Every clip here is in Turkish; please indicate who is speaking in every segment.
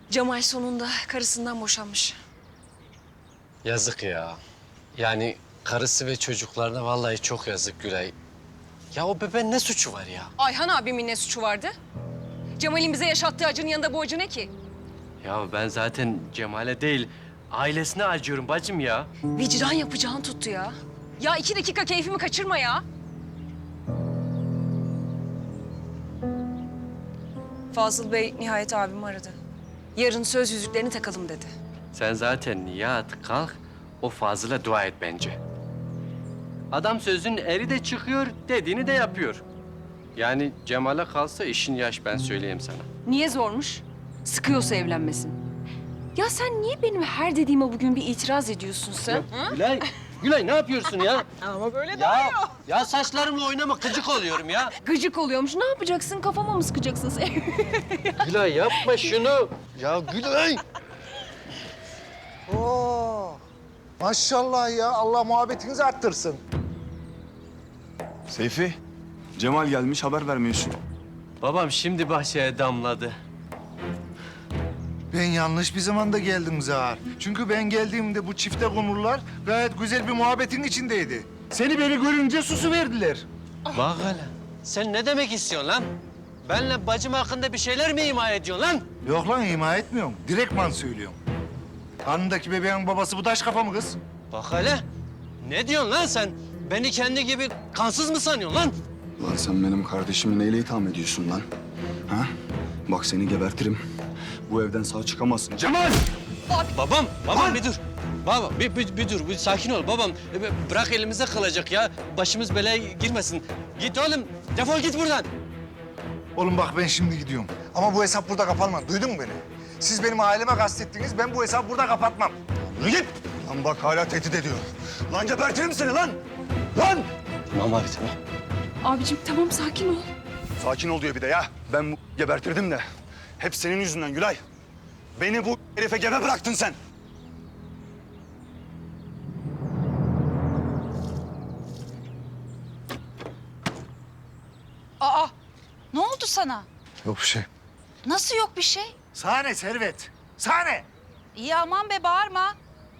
Speaker 1: Cemal sonunda karısından boşanmış.
Speaker 2: Yazık ya. Yani karısı ve çocuklarına vallahi çok yazık Gülay. Ya o bebeğin ne suçu var ya?
Speaker 1: Ayhan abimin ne suçu vardı? Cemal'in bize yaşattığı acının yanında bu acı ne ki?
Speaker 3: Ya ben zaten Cemal'e değil, ailesine acıyorum bacım ya.
Speaker 1: Vicdan yapacağın tuttu ya. Ya 2 dakika keyfimi kaçırma ya. Fazıl Bey nihayet abimi aradı. Yarın söz yüzüklerini takalım dedi.
Speaker 3: Sen zaten yat, kalk, o Fazıl'a dua et bence. Adam sözün eri de çıkıyor, dediğini de yapıyor. Yani Cemal'e kalsa işin yaş, ben söyleyeyim sana.
Speaker 1: Niye zormuş? Sıkıyorsa evlenmesin. Ya sen niye benim her dediğime bugün bir itiraz ediyorsun sen?
Speaker 3: Gülay, Gülay ne yapıyorsun ya?
Speaker 1: Ama böyle
Speaker 3: Ya saçlarımla oynama, gıcık oluyorum ya.
Speaker 1: Gıcık oluyormuş. Ne yapacaksın? Kafama mı sıkacaksın sen?
Speaker 3: Gülay yapma şunu. Ya Gülay.
Speaker 4: Oo, maşallah ya. Allah muhabbetinizi arttırsın.
Speaker 5: Seyfi, Cemal gelmiş haber vermiyorsun.
Speaker 3: Babam şimdi bahçeye damladı.
Speaker 4: Ben yanlış bir zamanda geldim Zahar. Çünkü ben geldiğimde bu çifte konurlar gayet güzel bir muhabbetin içindeydi. Seni beni görünce susu verdiler.
Speaker 3: Bak hele. Sen ne demek istiyorsun lan? Benle bacım hakkında bir şeyler mi ima ediyorsun lan?
Speaker 4: Yok lan ima etmiyorum. Direktman söylüyorum. Karnındaki bebeğin babası bu taş kafa mı kız?
Speaker 3: Bak hele. Ne diyorsun lan sen? Beni kendi gibi kansız mı sanıyorsun lan?
Speaker 5: Lan sen benim kardeşimi neyle itham ediyorsun lan? Ha? Bak seni gebertirim. Bu evden sağ çıkamazsın. Cemal!
Speaker 3: Babam bir dur. Baba bir dur, bir sakin ol babam. Bırak elimizde kalacak ya. Başımız belaya girmesin. Git oğlum, defol git buradan.
Speaker 4: Oğlum bak ben şimdi gidiyorum. Ama bu hesap burada kapanmaz. Duydun mu beni? Siz benim aileme kastettiniz. Ben bu hesabı burada kapatmam. Yürü git. Lan bak hala tehdit ediyor. Lan gebertirim seni lan. Lan!
Speaker 3: Tamam abi tamam.
Speaker 1: Abicim tamam sakin ol.
Speaker 5: Sakin ol diyor bir de ya. Ben bu gebertirdim de. Hep senin yüzünden Gülay. Beni bu herife gebe bıraktın sen.
Speaker 6: Aa, ne oldu sana?
Speaker 4: Yok bir şey.
Speaker 6: Nasıl yok bir şey?
Speaker 4: Sahne Servet. Sahne.
Speaker 6: İyi aman be bağırma.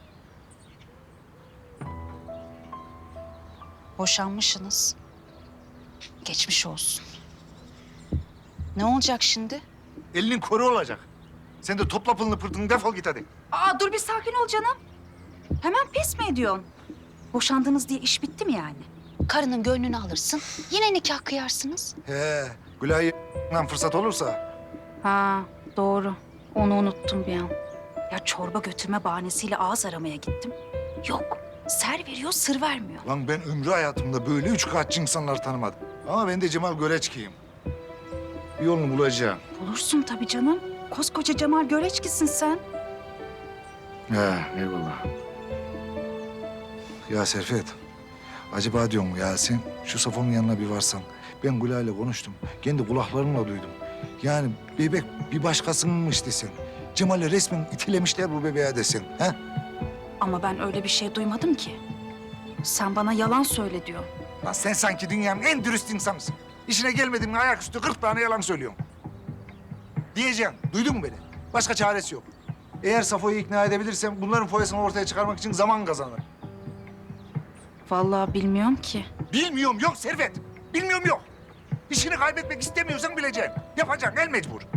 Speaker 6: Boşanmışsınız. Geçmiş olsun. Ne olacak şimdi?
Speaker 4: Elinin koru olacak. Sen de topla pılını pırtını defol git hadi.
Speaker 6: Aa dur bir sakin ol canım. Hemen pes mi ediyorsun? Boşandınız diye iş bitti mi yani? Karının gönlünü alırsın, yine nikah kıyarsınız.
Speaker 4: He, Gülay'dan fırsat olursa.
Speaker 6: Ha doğru. Onu unuttum bir an. Ya çorba götürme bahanesiyle ağız aramaya gittim. Yok. Ser veriyor, sır vermiyor.
Speaker 4: Lan ben ömrü hayatımda böyle üç kağıtçı insanlar tanımadım. Ama ben de Cemal Göreçki'yim. Bir yolunu bulacağım.
Speaker 6: Bulursun tabii canım. Koskoca Cemal Göreçkisin sen.
Speaker 4: He, eyvallah. Ya Serfet, acaba diyorum ya sen şu Safon'un yanına bir varsan. Ben Gülay'la konuştum. Kendi kulaklarımla duydum. Yani bebek bir başkasınınmış desen. Cemal'i resmen itilemişler bu bebeğe desen. He?
Speaker 6: Ama ben öyle bir şey duymadım ki. Sen bana yalan söyle diyor.
Speaker 4: Lan sen sanki dünyanın en dürüst insanısın. İşine gelmedin mi ayaküstü 40 tane yalan söylüyorsun. Diyeceğim, duydun mu beni? Başka çaresi yok. Eğer Safo'yu ikna edebilirsem bunların foyasını ortaya çıkarmak için zaman kazanırım.
Speaker 6: Vallahi bilmiyorum ki.
Speaker 4: Bilmiyorum yok Servet. Bilmiyorum yok. İşini kaybetmek istemiyorsan bileceksin. Yapacaksın el mecbur.